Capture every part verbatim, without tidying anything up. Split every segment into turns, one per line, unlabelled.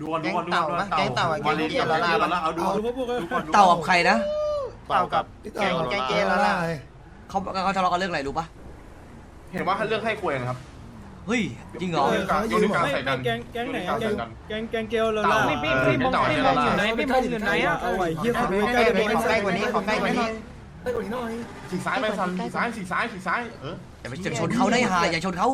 ดูก่อนดูก่อนดูก่อน
แก๊งเต่าแก๊งเกียร์ละล่า
เอาดูดูก่อน
เต่ากับใครนะ
เต่ากับแก๊งแก๊งเกียร์ละล่า
เขาเขาทะเลาะกันเรื่องอะไรรู้ปะ
เห็นว่าเรื่องให้คุยนะครับ
เฮ้ยจริงเหรอ
โยนนิ้วกลางใส่กัน
แกงแกงไหนแกงแกงแกงเกลเลยล่ะ
พี่พี่พี่มองพี่มองอยู่ไหนพี่มองอยู่ไหนอ่ะ
เอาไว้เฮีย
ขอใกล้กว่านี้ขอใกล้กว่านี้ขอใกล้กว่านี้
สีซ้ายไปฟันสีซ้ายสีซ้ายสีซ้ายเออ
อย่าไปชนเขาได้หาอย่าชนเขา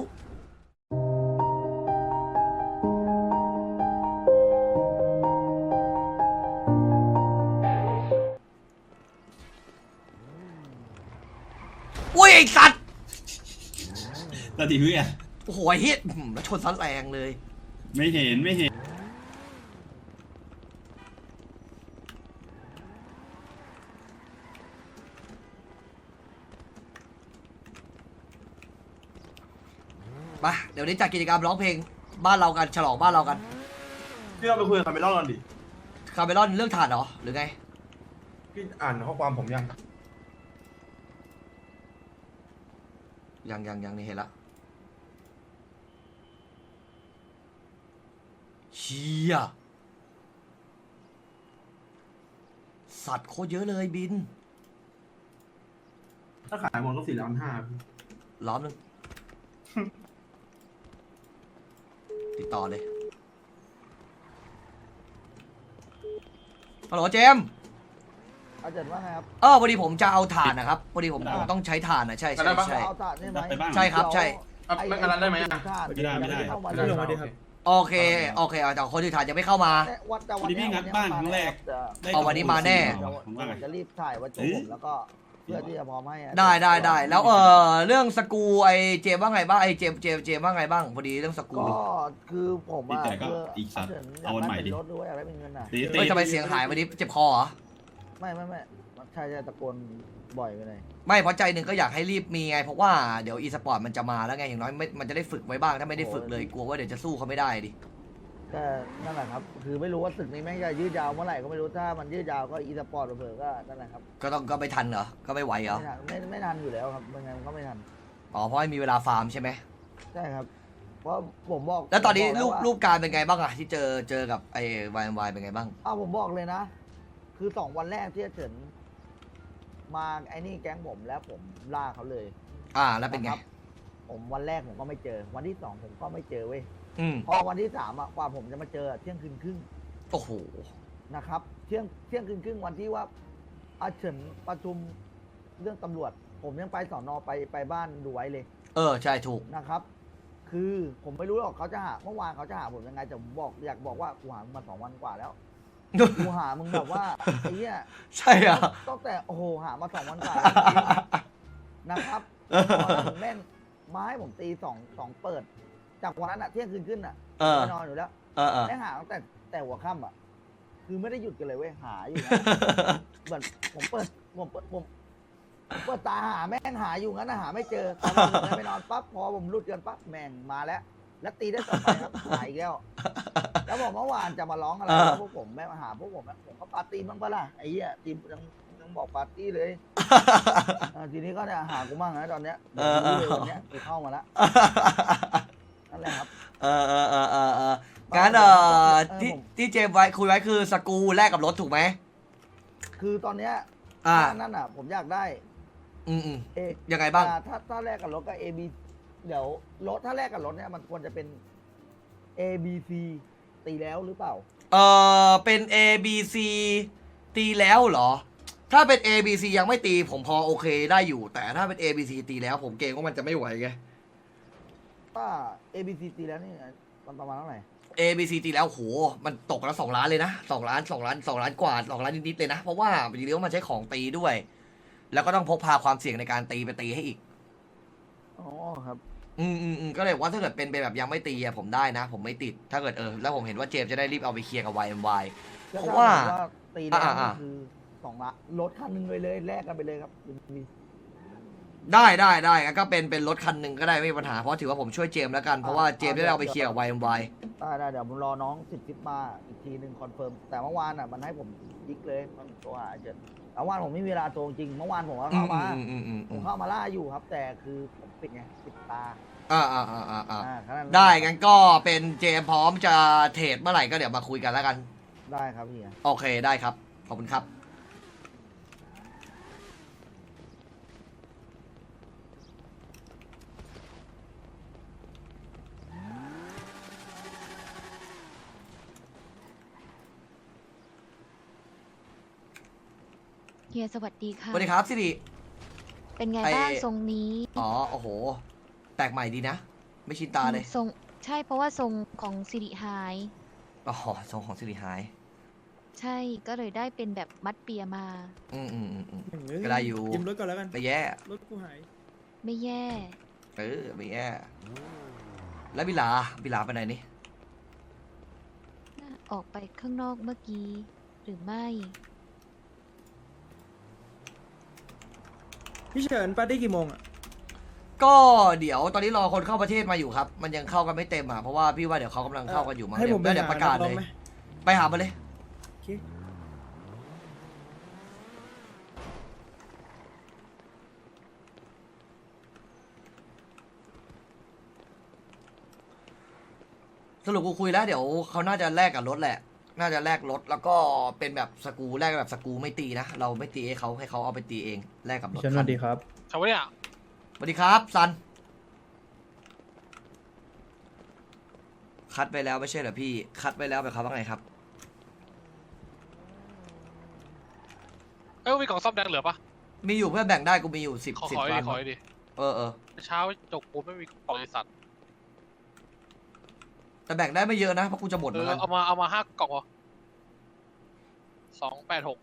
อุ้ยไอสัตว์
ตาดีเพื่อน
โอ้โหไอ้เฮียแล้วชนซัดแรงเลย
ไม่เห็นไม่เห็น
มาเดี๋ยวนี้จัดกิจกรรมร้องเพลงบ้านเรากันฉลองบ้านเรากัน
พี่เราไปคุยกับคาเมลอนก่อนดิ
คาเมลอนเรื่องถ่านเหรอหรือไง
พี่อ่านข้อความผมยัง
ยังยังยังนี่เห็นละเชี่ยสัตว์โคตรเยอะเลยบิน
ถ้าขายหมดก็สี่ล้านห้า
ล้อมหนึ่ง ติดต่อเลยฮัลโหลเจมส์
อาจารย์ว่าไงครับ
เออพอดีผมจะเอาถ่านนะครับพอดีผมผมต้องใช้ถ่านนะใช่ใช่ใช่
เอาตัดได้ไหม
ไปบ้าง
ใช่ครับใช่
ไม่งานได้ไหมอ่ะ
ไม่ได้ไม่ได้
เรื่องมาดิครับ
โอเคโอเคเอาแต่คนที่ถ่านยังไม่เข้ามา
วัดแต่
วันนี้พี่งัดบ้านครั้งแรก
เอาวันนี้มาแน่
จะรีบถ่ายวันจบผมแล้วก็เพื่อที่จะพร้อมให้
ได้ได้ได้แล้วเออเรื่องสกูไอเจมว่าไงบ้างไอเจมเจมเจมว่าไงบ้างพอดีเรื่องสกู
ก็คือผม
แต่ก็อีกสัตว์เอาวันใหม่ดิ
รถด้วยอะไรเป็นเงินอ่ะ
ตี
เฮ้ยทำไมเสียงหายวันนี้เจ็บคอเหรอ
ไม่ไม่ไม่ใช่ใช่ตะโกนบ่อยไปเลย
ไม่เพราะใจหนึ่งก็อยากให้รีบมีไงเพราะว่าเดี๋ยวอีสปอร์ตมันจะมาแล้วไงอย่างน้อยไม่มันจะได้ฝึกไว้บ้างถ้าไม่ได้ฝึกเลยกลัวว่าเดี๋ยวจะสู้เขาไม่ได้ดิ
ก็นั่นแหละครับคือไม่รู้ว่าศึกนี้แม่งจะยืดยาวเมื่อไหร่ก็ไม่รู้ถ้ามันยืดยาวก็อีสปอร์ตเผลอๆก็นั่นแหละครับ
ก็ต้องก็ไม่ทันเหรอก็ไม่ไหวเหรอ
ไม่ทันไม่ไม่ทันอยู่แล้วครับยังไงมันก็ไม่ทัน
อ๋อเพราะไม่มีเวลาฟาร์มใช่ไหม
ใช่ครับเพราะผมบอก
แล้วตอนนี้
ผมบ
รู
ก
ป
ว่า
รูปการเป็นไงบ้างอะที่เจอเจอกับไอ้วายวายเป็นไงบ้าง
อ้าวผมบอกเลยนะ คือสองวันแรกที่จะถึงมาไอ้นี่แก๊งผมแล้วผมล่าเขาเลย
อ่าแล้วเป็นไง
ะครับผมวันแรกผมก็ไม่เจอ วันที่สองผมก็ไม่เจอเว้ย
อืม
พอวันที่สามอะกว่าผมจะมาเจอเที่ยงคืนครึ่ง
โอ้โห
นะครับเที่ยงเที่ยงคืนครึ่งวันที่ว่าอาเฉินประชุมเรื่องตำรวจ ผมยังไปสอนอไปไปบ้านดูไว้เลย
เออใช่ถูก
นะครับ คือผมไม่รู้หรอกเขาจะหาเมื่อวานเขาจะหาผมยังไงแต่ผมบอกอยากบอกว่ากูหามึงมาสองวันกว่าแล้ว กูหามึงแบบว่าไอ้เนี้ย
ใช่อ่ะ
ตั้งแต่โอ้โหหามาสองวันกว่านะครับผมแม่งมาให้ผมตีสองสองเปิด จากวันนั้นอะเที่ยงคืนขึ้นอะ
เออ
ไปนอนอยู่แล้ว
เออเออ
แม่งหาตั้งแต่แต่หัวค่ำอะคือไม่ได้หยุดกันเลยเว้ยหาอยู่นะเหมือนผมเปิดผมเปิดผมผมเปิดตาหาแม่งหาอยู่งั้นนะหาไม่เจอตอนนั้นไปนอนปั๊บพอผมรุดกันปั๊บแม่งมาแล้ว แล้วตีได้ต่อไปครับหายอีกแล้ว แล้วบอกเมื่อวานจะมาร้องอะไรพวกผมแม่มาหาพวกผมนะผมก็ปาร์ตี้บ้างปะล่ะไอ้เหี้ยทีมยังยังบอกปาร์ตี้เลยทีนี้ก็เนี่ยหากูมั่งนะตอนเนี้ยวันเนี้ยกูเข้ามาแล้วนั่นแหละครับ
เออเออเออเออเอองั้นเออที่ที่เจมไว้คุยไว้คือสกูแลกกับรถถูกไหม
คือตอนเนี้ย
อ่า
นั่นอ่ะ ผมอยากได้
อืมอืม
เอ
ยังไงบ้าง
ถ้าถ้าแลกกับรถก็ A B เดี๋ยวรถถ้าแลกกับรถเนี่ยมันควรจะเป็น A B C ตีแล้วหรือเปล่า
เออเป็น A B C ตีแล้วเหรอ ถ้าเป็น A B C ยังไม่ตีผมพอโอเคได้อยู่ แต่ถ้าเป็น A B C ตีแล้วผมเกรงว่ามันจะไม่ไหวไง
ถ้า A B C ตีแล้วนี่มันประมาณเท่าไหร่
A B C ตีแล้วโหมันตกแล้วสองล้านเลยนะสองล้านสองล้านสองล้านกว่าสองล้านนิดๆเลยนะเพราะว่าจริงๆแล้วมันใช้ของตีด้วย แล้วก็ต้องพกพาความเสี่ยงในการตีไปตีให้อีก
อ๋อครับ
อืมอืมอืมก็เลยว่าถ้าเกิดเป็นไปแบบยังไม่ตีอะผมได้นะ ผมไม่ติดถ้าเกิดเออแล้วผมเห็นว่าเจมส์จะได้รีบเอาไปเคลียร์กับ วาย เอ็ม วาย เพราะว่า
ตีแล้ว
อ่าอ่า
คือสองละรถคันหนึงเลยเลยแลกกันไปเลยครับ
ได้ได้ได้งั้นก็เป็นเป็นรถคันหนึ่งก็ได้ไม่มีปัญหาเพราะถือว่าผมช่วยเจมส์แล้วกันเพราะว่าเจมส์ได้เอาไปเคลียร์กับ วาย เอ็ม วาย
ได้ได้เดี๋ยวผมรอน้องสิบทิปมาอีกทีหนึ่งคอนเฟิร์มแต่เมื่อวานอ่ะมันให้ผมยิกเลยมันตัวหาเจอเมื่อวานผมไม่มีเวลาโทรจริงเมื่อวานผมก็เข้ามา
อืมอืมอืม
ผ
อื
ม
ม
เข้ามาล่าอยู่ครับ แต่คือผมปิดไงปิดตา
อ่าอ่าอ่าอ่าอ่า
อ่าขนานั้น
ได้งั้นก็เป็นเจมพร้อมจะเทรดเมื่อไหร่ก็เดี๋ยวมาคุยกันแล้วกัน
ได้ครับพี่
โอเคได้ครับ ขอบคุณครับ
เฮียสวัสดี
ส
ค่ะ
วัสดีครับสิริ
เป็นไง
ไอ้
บ้างทรงนี้
อ๋อโอ้โห แปลกใหม่ดีนะ ไม่ชินตาเลย
ทรงใช่เพราะว่าทรงของสิริหาย
อ๋อทรงของสิริหาย
ใช่ก็เลยได้เป็นแบบมัดเปียมา
อืมอืมอืมอืม
เอ้ย
ก็ได้อยู่
ยืมรถก่อนแล้วกัน
ไม่แย่
รถกูหาย
ไม่แย่
เออไม่แย่แล้วบิลาบิลาไปไหนนี่
น่าออกไปข้างนอกเมื่อกี้ หรือไม่
พี่เฉินปาร์ตี้กี่โมงอ่ะ
ก็เดี๋ยวตอนนี้รอคนเข้าประเทศมาอยู่ครับ มันยังเข้ากันไม่เต็มอ่ะเพราะว่าพี่ว่าเดี๋ยวเขากำลังเข้ากันอยู่มั้ง
ให้
เดี๋
ผ
ยว
มไป
แล้วเดี๋ยวประกาศ
หานั
เลย
องไหม
ไปหามาเลย
โอเค
สรุปกูคุยแล้วเดี๋ยวเขาน่าจะแลกกับรถแหละ น่าจะแลกรถแล้วก็เป็นแบบสกรูแลกแบบสกรูไม่ตีนะ เราไม่ตีให้เขาให้เขาเอาไปตีเองแลกกับร
พี่
ถ
เฉินสวัสดีครับ
ชาวเนี่ย
สวัสดีครับซัน คัดไปแล้วไม่ใช่เหรอพี่ คัดไปแล้วไปครับว่าไงครับ
เอ้ยมีกล่องซ่อมแดงเหลือปะ
มีอยู่เพื่อนแบ่งได้กูมีอยู่สิบ
ขอ
สิบ
ขอ
ล้า
ดิ
น
ขอดิ
เออเออ
เช้าจกปูนไม่มีกล่องไอสัตว์
แต่แบ่งได้ไม่เยอะนะเพราะกูจะหมดเห
เอ
มือน
อ
กัน
เอามาเอามาห้ากล่องพอสองแปดหก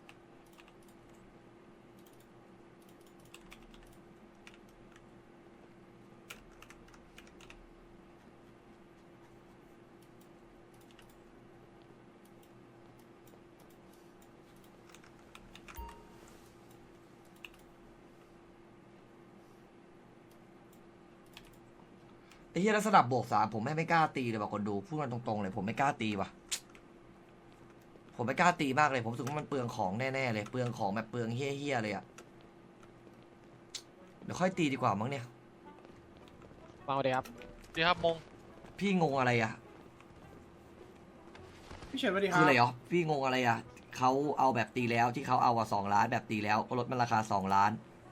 ไอ้เหี้ยลักษณะบวกสามผมไม่ไม่กล้าตีเลยว่ะคนดูพูดกันตรงๆเลยผมไม่กล้าตีว่ะ ผมไม่กล้าตีมากเลย ผมรู้สึกว่ามันเปลืองของแน่ๆเลยเปลืองของแบบเปลืองเฮี้ยๆเลยอะเดี๋ยวค่อยตีดีกว่ามั้งเนี่ย
มาเลยครับดีครับมง
พี่งงอะไรอะ
พี่เฉินสวัสดีค
คื
รั
อบ อะไรเหรอพี่งงอะไรอะเขาเอาแบบตีแล้วที่เขาเอาอะสองล้านแบบตีแล้วก็ลดมันราคาสองล้าน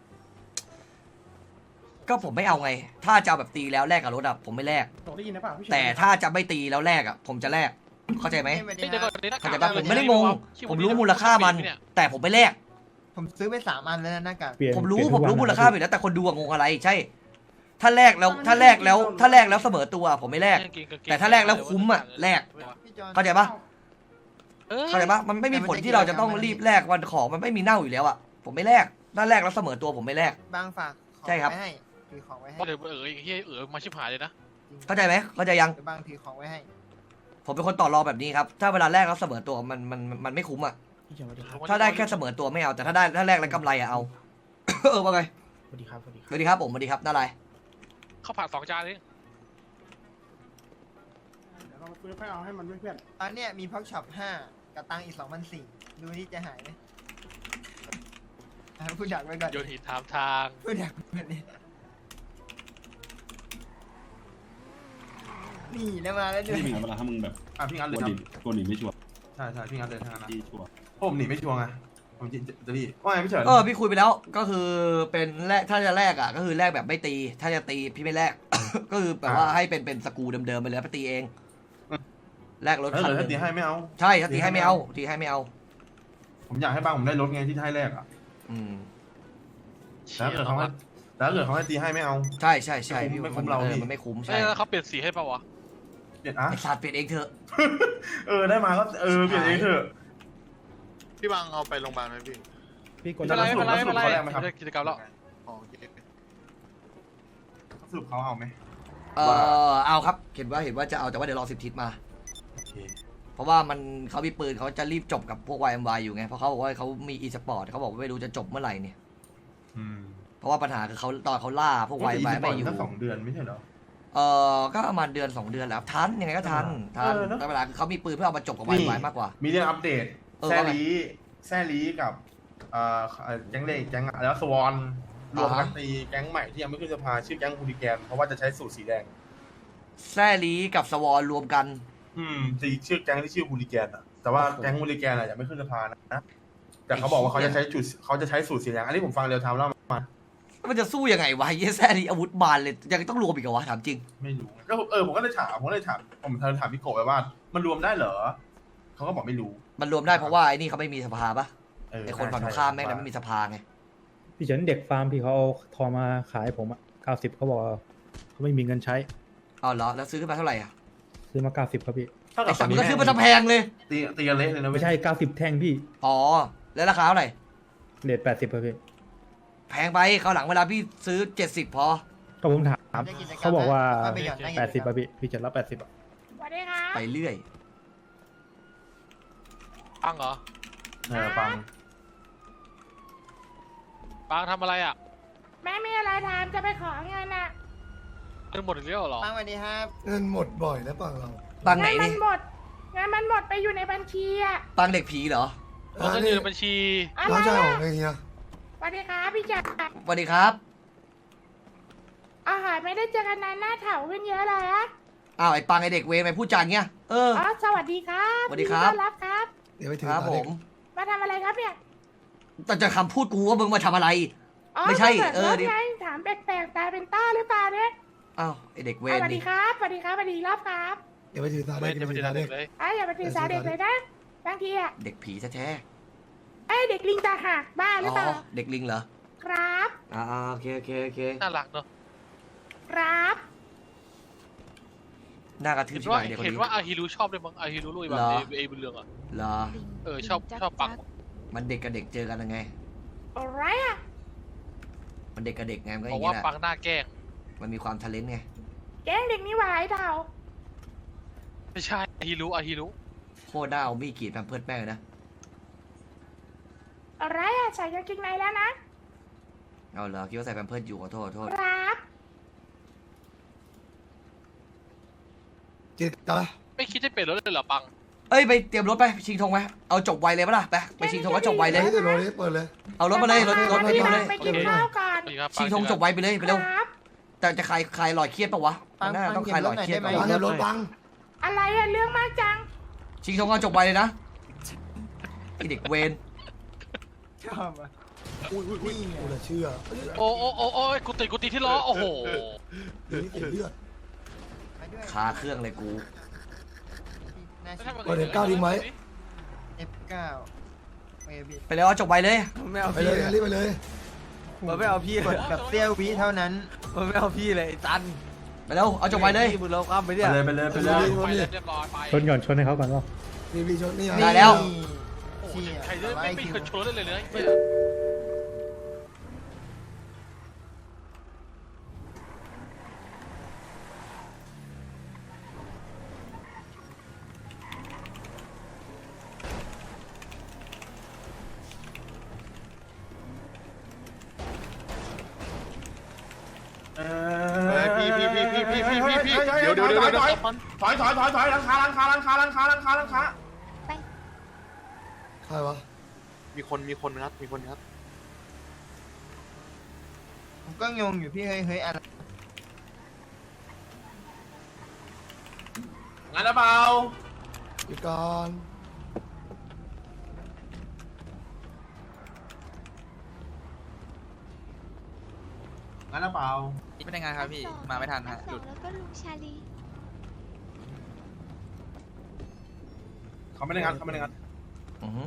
ก็ผมไม่เอาไง ถ้าจะเอาแบบตีแล้วแลกกับรถอะผมไม่แลก
ได้ยินนะป่ะพี่เฉิน
แต่ถ้าจะไม่ตีแล้วแลกอะผมจะแลกเข้าใจไหม
เฮ้ยเดี๋ยวก่อนนี่หน้ากา
เข้าก ใจปะผมไม่ได้งง ผมรู้มูลค่ามัน แต่ผมไม่แลก
ผมซื้อไปสามอันแล้วนะหน้ากาก
เปลี่ยน
ผมรู้
เปลี่ยน
ผม
ทุก
รู้
วัน
มูล
นะ
ค่าไปแล้วแต่คนดูอะงงอะไรใช่ ถ้าแลกแล้วถ้าแลกแล้วถ้าแลกแล้วเสมอตัวผมไม่แลก แต่ถ้าแลกแล้วคุ้มอะแลก
พี่จอน
เข้าใจปะ
เออ
เข้าใจปะมันไม่มีผลที่เราจะต้องรีบแลกวันของมันไม่มีเน่าอยู่แล้วอะผมไม่แลกถ้าแลกแล้วเสมอตัวผมไม่แลก
บางฝากของ
ใช่ครับ
ไว้ให้ถือของไว้ให้
เดี๋ยวเออเฮียเออมาชิบหายเลยนะ
เข้าใจไหมเข้าใจยัง
เดี๋ยวบางถือของไว้ให้
ผมเป็นคนต่อรองแบบนี้ครับถ้าเวลาแลกแล้วเสมอตัวมันมันมันไม่คุ้มอะ
พี่เฉินสวัสดีครับ
ถ้าได้แค่เสมอตัวไม่เอาแต่ถ้าได้ถ้าแลกแล้วกำไรอะเอา เออว่าไง
สวัสดีครับสวัสดีค
ส
รับ
วัสดีครับผมสวัสดีครับน่าอะไร
ข้าวผัดสองจานนี่
เดี๋ยวเราค่อยเอาให้มันเพื่อน
ตอนเนี้ยมีพ็อกช็อปห้ากับตังค์อีกสองพันสี่ดูที่จะหายไหมอ่ะพูดดักไว้ก่อน
โยนหินถามทาง
พูดดักไว้ก่อนดินี่แล้วมาแล้วด้วย
นี่เป็นไงเวลาถ้ามึงแบบ
ๆอ่ะพี่งัด
ก
เล
ลั
ยว ครั
หนี
บ
กลัวหนีไม่ชัวร์
ใช่ใช่พี่งัดเลยทั้งนั้นนะ
ที่ชัวร์
ผมหนีไม่ชัวร์ไงผมจะจะพี่ว่าไงพี่เฉิน
เออพี่คุยไปแล้วก็คือเป็นแลกถ้าจะแลกอ่ะก็คือแลกแบบไม่ตี ถ้าจะตีพี่ไม่แลก ก็คือแบบว่าให้เป็นเป็นสกรูเดิมๆไปเลยไปตีเองแลกรถ
เออ
คัน
เหลือ
ห
ถ้า
นึ่ง
ตีให้ไม่เอา
ใช่ถ้าตีให้ไม่เอาตีให้ไม่เอา
ผมอยากให้บ้างผมได้รถไงที่ให้แรกอ่ะ
อืม
แล้วเกิดเขาให้แล้วเกิดเขาให้ตีให้ไม่เอา
ใช่ใช่ใช่พี่
ไม่คุ้มเรา
ออ
พี่
มันไม่คุ้ม
เอ้
ใช่
ยแล้วเขาเปลี่ยนสีให้ป่าวะ
เปลี่ยนอ่ะ
ไอสัตว์เปลี่ยนเองเถอะ
เออได้มาก็เออเปลี่ยนเองเถอะ
พี่บางเอาไปโรงพยาบาลไหมพี่
พี่ก
ไม่
ด
เป็นไรไม่เป็นไร
สรุ
ไม่
ป
เป็นไร
เขาแลกไหมครับ
ไม่ได้กิจกรรมแล้ว
อ๋อโอเค
สรุปเขาเอาไหม
เออเอาครับเห็นว่าเห็นว่าจะเอาแต่ว่าเดี๋ยวรอสิบทิศมา
โอเค
เพราะว่ามันเขามีปืนเขาจะรีบจบกับพวก วาย เอ็ม วาย อยู่ไงเพราะเขาบอกว่าเขามีอีสปอร์ตเขาบอกว่าไม่รู้จะจบเมื่อไหร่เนี่ย
อืม
เพราะว่าปัญหาคือเขาตอนเขาล่าพวก วาย เอ็ม วาย ไม่อยู่
ตั้งสองเดือนไม่ใช่เหรอ
เออก็ประมาณเดือนสองเดือนแล้วทันยังไงก็ทันทัน
เออเนอะ
แต่เวลาคือเขามีปืนเพื่อเอามาจบกับ วาย เอ็ม วาย มากกว่า
มีเรื่องอัปเดต
เออ
แซ
ว่าไง
ลีแซลีกับเอ่อแจังเล่แจังแล้วสวอนรวมกันตีแก๊งใหม่ที่ยังไม่ขึ้นสภาชื่อแก๊งฮูลิแกนเพราะว่าจะใช้สูตรสีแดง
แซ่ลีกับสวอนรวมกัน
อืมตีชื่อแก๊งที่ชื่อฮูลิแกนอะแต่ว่าแก๊งฮูลิแกนอะยังไม่ขึ้นสภานะแต่เขาบอกว่าเขาจะใช้จุดเขาจะใช้สูตรสีแดงอันนี้ผมฟังเรียวไทม์แล้วมา
มันจะสู้ยังไงวะไอ้แซ่ลีอาวุธบานเลยยังต้องรวมอีกเหรอวะถามจริง
ไม่รู้ก็เออผมก็เลยถามผมก็เลยถามผมถามพี่โกะไปว่า มันรวมได้เหรอเขาก็บอกไม่รู้
มันรวมได้เพราะว่าไอ้นี่เขาไม่มีสภาปะ
เออ
ไอ้คนฝั่งตรงข้ามแม่งนั้นไม่มีสภาไง
พี่เฉินเด็กฟาร์มที่เขาเอาทองมาขายผมอ่ะเก้าสิบเขาบอกว่าเขาไม่มีเงินใช้
อ๋อเหรอแล้วซื้อขึ้นมาเท่าไหร่อ่ะ
ซื้อมาเก้าสิบครับพี่
ถ้ากั
ไอ้
บ
สัตว์มันก็ซื้อมาทำแพงเลย
ตีตีกันเละเลยนะ
ไม่ใช่เก้าสิบแท่งพี่
อ๋อแล้วราคาเท่าไหร่
เรทแปดสิบครับพี่
แพงไปคราวหลังเวลาพี่ซื้อเจ็ดสิบพอ
ก็ผมถามเขาบอกว่า
ไปหย่อนได้
แปดสิบครับพี่พี่เฉินรับแปดสิบอ่ะ
สวัสดีค่ะ
ไปเรื่อย
ปังเหรอ
เออฟัง
ปังทำอะไรอ่ะ
แม่มีอะไรทำจะไปขอเงินอ่ะ
เงินหมดอีกแล้วเหรอ
ปังสวัสดีครับ
เงินหมดบ่อยแล้วปังเรา
ปังไหน
เงิมั
นี่
หมดเงินมันหมดไปอยู่ในบัญชีอ่ะ
ปังเด็กผีเหรอ
เราต้องอยู่ในบัญชี
อะไร
น้องชาย
อ่ะ
ของเฮีย
สวัสดีครับพี่จักร
สวัสดีครับ
อาหารไม่ได้เจอกันนานหน้าเถาขึ้นเยอะเลยอะ
อ้าวไอ้ปังไอ้เด็กเวรไปพูดจาอย่างเงี้ยเออ
อ๋อสวัสดีครับ
สวัสดีครับ
ยินต้อนรับครับ
เดี๋ยวไปถือ
ครับผม
มาทำอะไรครับเนี่ย
แต่จะคำพูดกูว่ามึงมาทำอะไร
อ๋อ
ไม่ใช่
มาปิด
เออ
รถ
ดิ
ไงถามแปลกๆตาเป็นต้าหรือเปล่าเนี่ย
อ้าวไอ้เด็กเว
อ่ะ
ร
สวัสดี
นี่
ครับสวัสดีครับสวัสดีรอบครับ
เดี๋ยวไปถือตา
ไม่
เด็ก
จะไป
ถื
เจ
อ
อ
ตา
เด็
เด็
ก
ก
เลย
ไอ้ยอย่าไปถือสาเด็กเลยนะบางทีอ่ะ
เด็กผีแท้
ไอ้ยเด็กลิงตาหักบ้า
ๆ
หรือ
อ๋
เปล่า
อเด็กลิงเหรอ
ครับ
อ่าๆโอเคโอเคโอเค
น่ารักเนอะ
ครับ
หน้ากระทืบ
เห็น
ที่
ว่า
ไหนเด็กคน
เห็น
นี้
ว่าอาฮิรุชอบด้วยมั้งอาฮิรุลุยแบบ
เหรอ
เอเอบุญเรืองอ่ะ
เหรอ
เออชอบชอบปัง
มันเด็กกับเด็กเจอกันยังไง
อะไรอ่ะ
มันเด็กกับเด็กไงมันก็อ
บอก
ย่าง
ว่า
นี้แหละ
ปังหน้าแกล้ง
มันมีความทะเลนไง
แก๊งเด็กนี่หวายเถา
ไม่ใช่อาฮิรุอาฮิรุ
โคตรน่าเอามีดกรีดแพมเพิร์ดแม่งเลยนะ
อะไรอ่ะใส่กางเกงในแล้วนะ
เอาเหรอคิดว่าใส่แพมเพิร์ดอยู่ขอโทษขอโทษ
ครับ
เจ็ดตา
ไม่คิดจะเปลี่ยนรถเลยเหรอปัง
เอ้ยไปเตรียมรถไปชิงธงไหมเอาจบไวเลยปะล่ะไปไปชิงธงแล้วจบไวเลย
เดี๋ยวรถนี้เปิดเลย
เอารถมาเลยรถรถ
ไป
รถ
ที่
มา
ร้า
เล
น
ย
ไปกินข้าวก่อน
สวัสดีครับ
ชิงธงจบไวไปเลยไปเร็ว
ครับ
แต่จะคลายคลายหลอดเครียดปะวะมันน่าต้องคลายหลอดเครียด
ปั
ปะ
ง
วะ
ปังเดี๋ยวรถปัง
อะไรอะเรื่องมากจัง
ชิงธงเอาจบไวเลยนะไอเด็กเวน
ชอบอ่ะนี่ไง
กูจะเชื่อ
โอ้โอ้โอ้โอ้ยกูติดกูติดที่ล้อโอ้โห
เดี๋ยวนี้เสียเลือด
ไปด้วย
คาเครื่องเลยกู
น่า
ไม่
ชิ
ใช่
บ
เปิดเห็นก้าวดีไหม
เอฟเก้าเอบี
ไปเลยเอาจบไวเลย
ไม่เอา
ไป
พี่
เลยรีบไปเลย
มันไม่เอาพี่
กดแบบเซี่ยววิเท่านั้น
มันไม่เอาพี่เลยจัน
ไปเร็วเอาจบไวเลย
มึงเราข้ามไป
ไป
เนี่ย
เลยไปเลยไปเลย
ไปเลยเรียบร้อยไป
ชนก่อนชนให้เขาก่อนว่า
รีบรีบชนนี่ไง
ได้แล้ว
โอ้โห
เชี่ย
ใครจะไม่ไม่เคยชนรถเลยเลยเนี่ย
เอ
เฮ้ยพี่พี่พี่พี่พี่พี่พี่พี่เดี๋ยวเดี๋ยวเดี๋ยวเดี๋ยว
ถอยถอยถอยถอยหลังคาหลังคาหลังคาหลังคาหลังคาหลังคา
ใครวะ
มีคนมีคนงัดมีคนงัด
ผมก็งงอยู่พี่เฮ้ยเฮ้ยอะไร
งั้นหรือเปล่า
หยุดก่อน
งั้นหรือเปล่า
ไม่ได้งานครับพี่ มาไม่ทันฮะหลุดแล้วก็ลุงชาลี
เขาไม่ได้งัดเขาไม่ได้งัด
อือหือ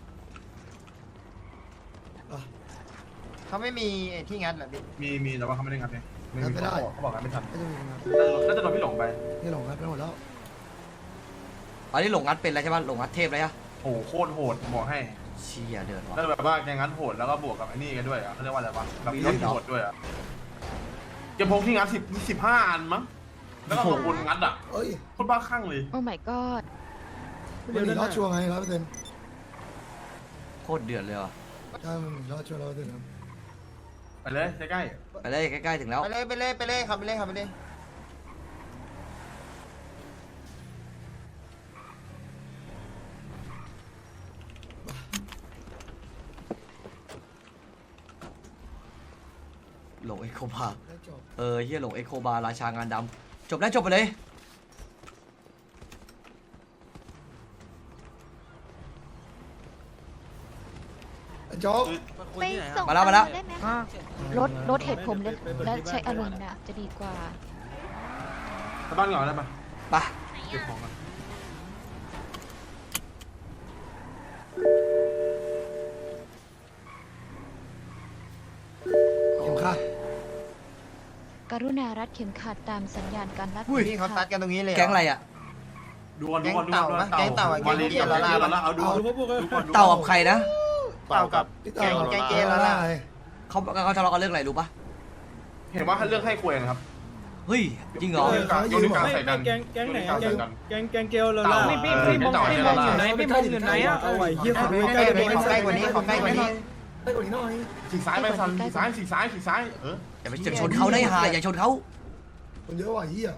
เขาไม่มีไอ้ที่งัดเหรอพี่
มีมีแต่ว่าเขาไม่ได้งัดเนี่ยไม่มีเขาบอกกันไม่ทัน
ไม่ต้องมีงาน
น่าจะโดนพี่หลงไป
นี่หลงงัดไปหมดแล้ว
อันนี้หลงงัดเป็นอะไรใช่ปะหลงงัดเทพเลยอะ
โอ้โหโคตรโหดบอกให้
เชี่ยเดือดว่ะ
แล้วแบบว่าแกงัดโหดแล้วก็บวกกับไอ้นี่กันด้วยอ่ะเขาเรียกว่าอะไรวะแบบรถโหดด้วยอ่ะแกพกที่งัดสิบสิบห้าอันมั้งแล้วก็ของคนงัดอ่ะ
เอ้ย
โคตรบ้าคลั่งเลย
โอ้ my god
มันหนีรอดชัวร์ไงร้อยเปอร์เซ็นต์
โคตรเดือดเลยว่ะ
ใช่มันหนีรอดชัวร์ร้อยเปอร์เซ็นต์ครับ
ไปเลยใกล้
ไปเลยใกล้ๆถึงแล้ว
ไปเลยไปเลยไปเลยขับไปเลยขับไปเลย
หลงเอ็กโคบาร์เออเฮียหลงเอ็กโคบาร์ราชางานดำจบแล้วจบไปเลย
โจ๊ก
ไปส่ง
มาแล้วมาแล้ว
ได้ไหมรถรถเหตุผมและและใช้อารมณ์น่ะจะดีกว่า
ไปบ้านก่อนได้ปะ
ไป
เก็บของกัน
เข็มขัด
กรุณารัดเข็มขัดตามสัญญาณการรัด
พี่เขาตัดกันตรงนี้เลย
แก๊งอะไรอ่ะ
ดูก่อนดูก่อนดูก่อน
แก๊งเต่าปะแก๊งเต่าอะ
มาลี
แก๊งเกียร์
มาลี
ละลา
แล้วเอาดูดูก่อนดู
เต่ากับใครนะ
เต่ากับ
พี่
แก๊ง
เต่า
แก๊งเกย์แล้วล่ะ
เขาเขาทะเลาะกันเรื่องอะไรรู้ปะ
เห็นว่าเรื่องให้ควยนะครับ
เฮ้ยจริงเหรอ
โยนกลางโยนกลางใส่กัน
แก๊งแก๊งไหน
โยกลาใส่กัน
แกงแกงเกลเรา
เต่า
ล่ะ
พี่พี่พี่มองพี่มองอยู่ไหน
พี่มงอยู่ไหนอ่ะเอาไว้เฮียขอดู
ใก
ใก
ล้
ล้
กว่านี้ขอใกล้กว่านี้ขอใกล้กว่านี้
ได้กว่านี้หน่อย
สีซ้ายไปสันสีซ้ายสีซ้ายสีซ้ายเออ
อย่าไปอย่าชนเขาได้หาอย่าชนเขา
มันเยอะว่ะเฮีย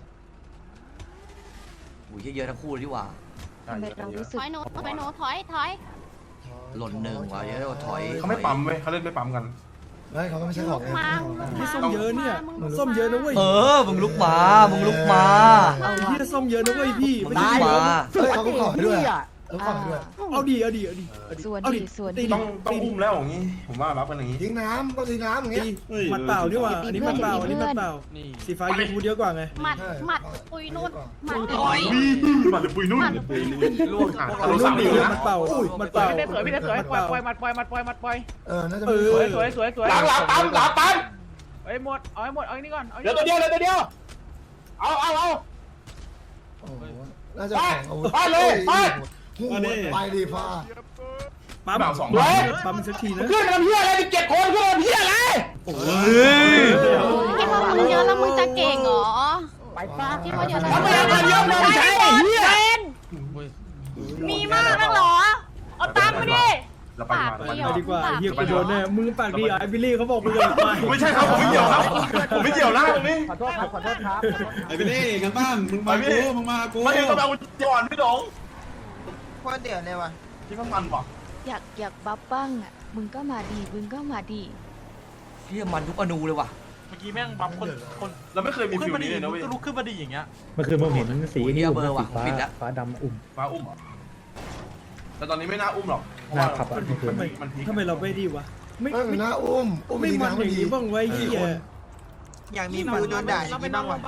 อุ้ยเยอะๆทั้งคู่เลยดีกว่า
ทำไมเรารู้สึ
ถ
ก
อยหนูถอยหนูถอยถอย
หล่นหนึ่งว่ะเยอะๆถอย
เขาไม่ปั๊มเว้ยเขาเล่นไม่ปั๊มกัน
ไม่เขาก็ไม่ใช่ของไง
มา
พี่ส้มเยอะเนี่ยส้มเยอะนะเว้ย
เออมึงลุกมามึงลุกมา
เอา
เฮี
วะ
ยส้มเยอะนะเว้ยพี่
มึง
ไม่
ลุ
ใช่
กมา
เฮ้ยเขาก็ขอให้ด้วย
พี่
อะ
อ่ะ
เขาขอให้ด้วย
เอาดีเอาดีเอาดีเอาดี
ส่วน
เอา
ดีส่วน
ตี
ดี
ต้องต้องอุ้มแล้วอย่างนี้ผมว่ารับกันอย่างนี้
ทิ้งน้ำต้องทิ้งน้ำอย่างเงี้ย
ตีหมัดเปล่านี่หว่าอันนี้หมัดเปล่าอันนี้หมัดเปล่าสีฟ้ายูทูบเยอะกว่าไง
หมัดหมัดปุยนุ่นหมัด
โอ้ยมาเลยปุยนุ่น
ปืน
ล่วงอ่ะ
เอา
เรา
ลู
สาก ม
ดี
อยู่
ห
นะ
มัดเปล่าหมัดเปล่า
พี่ได้สวยพี่ได้สวยปล่อยปล่อยมัดปล่อยมัดปล่อยมัดปล่อย
เออน่าจะ
เอ
มี
อ
สวยสวยสวยสวย
หลังหลังปั๊มหลังปั๊ม
เอ้ยหมดเอาให้หมดเอาอันนี้ก่อนเอา
เดี๋ยวตัวเดียวเดี๋ยวตัวเดียวเอาเอาเอา
โอ้โหน่าจะของอาวุธ
ไปเลยไป
หูไปดีฟ้า
ปั๊ม
แบบสอง
ปั๊มสักทีนะ
ขึ้นมาเพี้ยอะไรเจ็ดคนขึ้นมาเพี้ยอะไร
เฮ้ย
คิดว่ามึงเยอะแล้วมึงจะเก่งเหรอ
ไปป้า
คิดว่าเยอะแล้ว
ทำไมเอาเยอะมาใช้เฮีย
มีมากนักเหรอเอาตังค์มาดิ
เราไปมา
ไปดีกว่าเฮียไปโดนแน่มึงปากดีไอ้บิลลี่เขาบอกมึงเลยไป
ไม่ใช่ครับผมไม่เกี่ยวครับผมไม่เกี่ยวนะตรงนี้
ขอโทษครับขอโทษครับ
ไอ้ไปเล่กันบ้างมึงมากูมึงมากู
มาเองต้องเอาก่อนพี่ดง
โคตรเดือดเลยว่ะ
ที่มันมันว่ะ
อยากอยากบัฟบ้างอ่ะมึงก็มาดีมึงก็มาดี
เฮียมันทุกอนูเลยว่ะ
เมื่อกี้แม่งบัฟคนคน
เราไม่เคยมี
ขึ้
ฟิ
น
ล
มาดี
นี้เลยนะเว้ย
ก็ลุกขึ้นมาดีอย่างเงี้ย
เมื่อคืนผมเห็นสีนี่อุ้มนะสีฟ้า
ปิดละ
ฟ้าดำอุ้ม
ฟ้าอุ้มเหรอแต่ตอนนี้ไม่น่าอุ้มหรอก
น่าขับอ่ะ
มันมันพีค
ทำไมเราไม่ดีวะไม่
เออ
ไม่
น่าอุ้มอุ้ม
ไม่
ดี
มัน
น้ำ
อ
มัน
ย่าง
ดี
นี้บ้างไว้เฮีย
อยากมีฟิวโดนด่าอย่างนี้บ้างว่ะ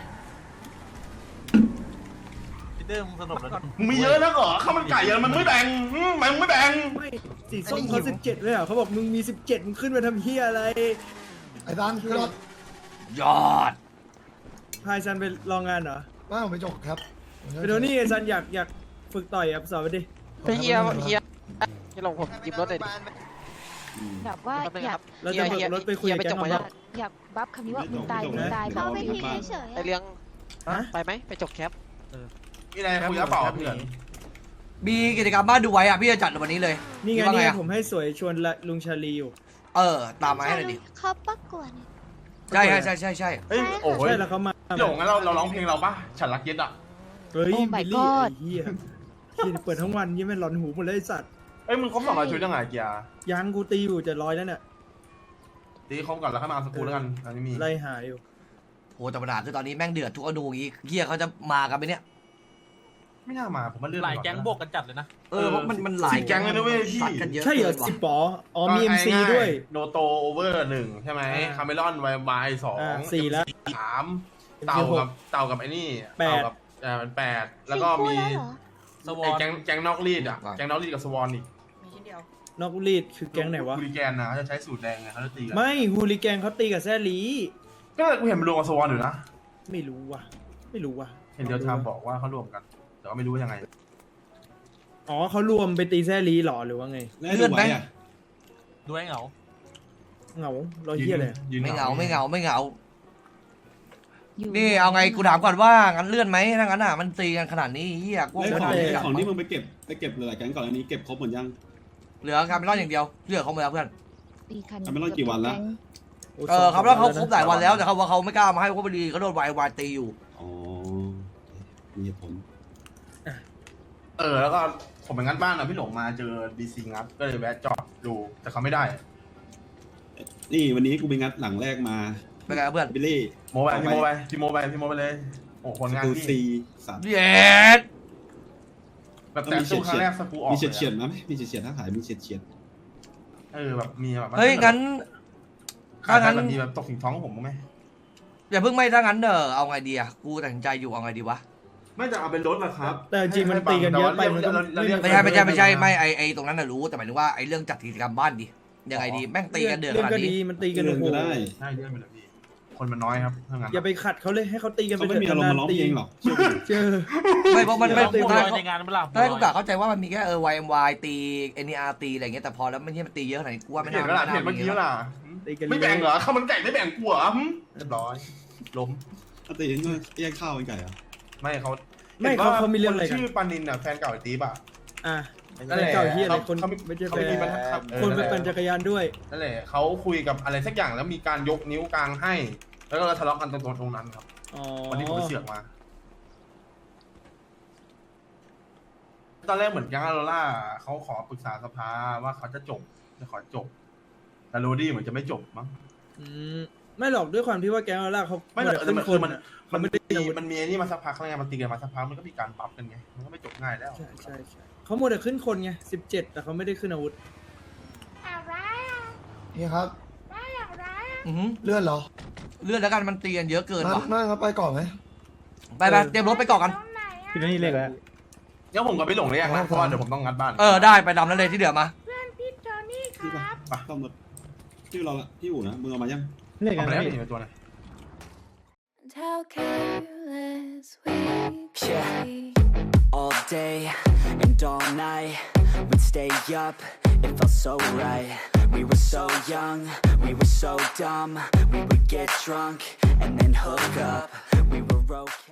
พีเตอร์มึงสนุกแล้ว
มึงมีเยอะแล้วเหรอข้าวมันไก่เยอะมันไม่แบ่งมันไม่แบ่ง
ไม่สีส้มเขาสิบเจ็ดเลยอ่ะเขาบอกมึงมีสิบเจ็ดมึงขึ้นมาทำเฮียอะไร
ไอ้ตันคือรถ
ยอด
พายซันไปลองงานเหรอ
ว่าผมไปจกครับ
ไปดูนี่ไอ้ซันอยากอยากฝึกต่อยอ่ะสอนไปดิ
เฮียเฮียที่ลงผมจิบรถเลย
แบบว่าอยาก
เราจะเบิกรถไปคุยกับแก๊ง
อ
เขา
ยากอยากบัฟคำนี้ว่ามึงตายมึงตายแบบ
ไปทีเฉย
ไอเลี้ยงไปไหมไปจกแคป
มีอะไรคุยกระเป๋าเพื่อน
มีกิจกรรมบ้านดูไว้อ่ะพี่จะจัดวันนี้เลย
นี่ไง
คิดว่า
นี่ไง
อะ
ผมให้สวยชวนละลุงชาลีอยู่
เออตามมาให้หน่อยดิ
เขาประกวด
ใช่ใช่ใช่ใช่
เฮ้ยโอ้ย
ใช่แล้วเขามา
พี่หลงงั้นเราเราร้องเพลงเราป่ะฉันรักเย็ดอ่ะ
เฮ้ยบิลลี่ไอ้เหี้ยที่เปิดทั้งวันยี่แม่งหลอนหูหมดเลยไอ้สัตว์
เอ้ยมึงครบสองร้อยชุดยังไงเกียร์
ยังกูตีอยู่จะร้อยแล้วเนี่ย
ตีครบก่อนแล้วค่อยมาเอาสกูแล้วกันอันนี้มี
ไล่หาอยู่
โหแต่ปัญหาคือตอนนี้แม่งเดือดทุกอนูอย่างงี้เฮียเขาจะมากันไหมเนี่ย
ไม่น่ามาผมว่าเลื่อน
หลายแก๊งบวกกันจัดเลยนะ
เออเพราะมันมันหลาย
สิบแก๊งเลยนะเว้ยพี่
สัตว์กันเยอะ
ใช่เหรอ
กินว่ะ
สิบปออ๋อมีเอ็มซีด้วย
โนโตโอเวอร์หนึ่งใช่ไหม
อ่า
คาเมลอนไวบายสอง
อ่าสี่แล้ว
สามเต่ากับเต่ากับไอ้นี่
แปด
เต่ากับเอ่าเป็นแปดแล้วก็มี
สวอ
ไอ้
น
แก๊งแก๊งนอกรีดอ่ะแก๊งนอกรีดกับสวอนอีก
นอกรีดคือแก๊งไหนวะ
คูริแกนนะเขาจะใช้สูตรแดงไงเขาจะตีกัน
ไม่ฮูลิแกงเขาตีกับแซลี
ก็กูเห็นมันรวมกับสวอนอยู่นะ
ไม่รู้ว่ะ ไม่รู้ว่ะ
เห็นเดียวทามบอกว่าเขารวมกัน แต่ว่าไม่รู้ว่ายังไง
อ๋อเขารวมไปตีแซลีหรอหรือว่าไง
แล้วดูไว้อะ
ดูให้เหงา
เหงาเราเฮียเลย
ยืน
ไม่เหงาไม่เหงาไม่เหงา
อยู่
นี่เอาไงกูถามก่อนว่างั้นเลื่อนไหมถ้างั้นอ่ะมันตีกันขนาดนี้เฮียกู
แล้ว
ค
ของ
งไม่กลับ
ของที่มึงไปเก็บไปเก็บหลายๆแก๊งก่อนอันนี้เก็บครบหมดยัง
เหลือคาร์เมลอนอย่างเดียวเหลือเขาหมดแล้วเพื่อน
ตีคัน
ทำไปรอดกี่วันละ
เออคาร์เมลอนเขาครบหลายวันแล้วแต่เขาว่าเขาไม่กล้ามาให้เพราะพอดีเขาโดนวายวายตีอยู่
อ๋อมีเหตุผล
เออแล้วก็ผมไปงัดบ้านนะพี่หลงมาเจอดีซีงัดก็เลยแวะจอดดูแต่เขาไม่ได้
นี่วันนี้กูไปงัดหลังแรกมา
เป็นไงเพื่อน
บิลลี่
โมไปพี่โมไปพี่โมไปพี่โมไปเลยโอ้คนงาน
ดู
พี่
ซีสาม
เย็ด
แบบแต่ตู้ครั้งแรกสกูออก
มีเฉียดเฉียดๆนะไหมมีเฉียดเฉียดๆถ้าขายมีเฉียดเฉียด
เออแบบมีแบบ
เฮ้ยงั้น
ขาย
ถ้างั้น
แบบมีแบบตกถึงท้องผมไหม
อย่าเพิ่งไม่ถ้างั้นเด้อเอาไงดีอะกูตัดสินใจอยู่เอาไงดีวะ
ไม่จะเอาเป็นรถละครับ
แต่จริงๆมันตีกันเยอะไปมันก็
ไม่ใช่ไม่ใช่ไม่ใช่ไม่ไอไอตรงนั้นน่ะรู้แต่หมายถึงว่าไอเรื่องจัดกิจกรรมบ้านดิยังไงดีแม่งตีกันเดือดข
เรื่อง
นาด
ก็
นี้
ดีมันตี
ๆ
กัน
เงิน
โอ้โห
ก็ได้
ใช่เยอะไปเลยพี่คนมันน้อยครับเท่านั้น
อย่าไปขัดเขาเลยให้เขาตีกันไป
เขาไม่มีอารมณ์มาร้องเพลงหรอก
เจอ
ไม่เพราะมันไม่
พูด
ตอนแรก
ในงานเปล่า
ตอนแรกกูกะเข้าใจว่ามันมีแค่เออ วาย เอ็ม วาย ตี เอ็น อี อาร์ ตีอะไรเงี้ยแต่พอแล้วไม่ใช่มันตีเยอะขนาดนี้กูว่าไม่
เห็
น่าน
ก็ล่ะ
ไม่น่า
เห็นเมื่อกี้ล่ะ
ตีกัน
ไม่แบ่งเหรอข้าวมันไก่ไม่แบ่งกูเหรอหึเรียบร้อยล้ม
ถ้าตีก็แยกข้าวเป็นไก่เหรอ
ไม่เขา
ไม่เขาเขามีเรื่องอะไร
คน
กัน
ชื่อปานินอ่ะแฟนเก่าไอ้ตีบอ่ะ
อ่ะ
นั่นแหละ
เก่าที่อะไรคน
เขา
ไม่ใช่
เขา
แฟ
มีปัญ
น
หาเออ
คนไป
นั่นแหละ
ปั่นจักรยานด้วย
นั่นแหละเขาคุยกับอะไรสักอย่างแล้วมีการยกนิ้วกลางให้ แล้วก็ทะเลาะกันตรงตรงนั้นครับ
อ๋อ
วันนี้ผมไปเสือกมา ตอนแรกเหมือนยังอาโรล่าเขาขอปรึกษาสภาว่าเขาจะจบจะขอจบ แต่โรดี้เหมือนจะไม่จบมั้ง
อืมไม่หรอกด้วยความที่ว่าแก๊งเราล่าเขา
ไม่แต่
ขึ้น
มัน
ค
คือน มัน
อะ
มัน
ไม่
ไม่
ได้
ได้มันมีไอ้นี่มาสักพักแล้วไงมันตีกันมาสักพักมันก็มีการบัฟกันไงมันก็ไม่จบง่ายแล้ว
ใช่ใช่ใช่เขาหมดแต่ขึ้นคนไงสิบเจ็ดแต่เขาไม่ได้ขึ้นอาวุธ
พี่ครับ
อือหือ
เลื่อนเหรอ
เลื่อนแล้วกันมันตีกันเยอะเกิน
นั่
ว่ะ
นนั่นครับไปก่อนไหม
ไปไปเตรียมรถไปก่อนกัน
พี่นี่เรียกแล้ว
เดี๋ยวผมก็ไปหลงเลยอย่างนะเพราะว่าเดี๋ยวผมต้องงัดบ้าน
เออได้ไปดำนั้นเลยที่เหลือมา
ที่ปะไปต้อมรถที่เราละที่อู่นะมึงเอามายัง
เรียกกั
เอา
น
ไป
นะ
แล้ว
พี่
นี่เป็นตัวไหน
How careless we
Yeah.
be.
All day and all night, we'd stay up, it felt so right. We were so young, we were so dumb. We would get drunk and then hook up. We were okay.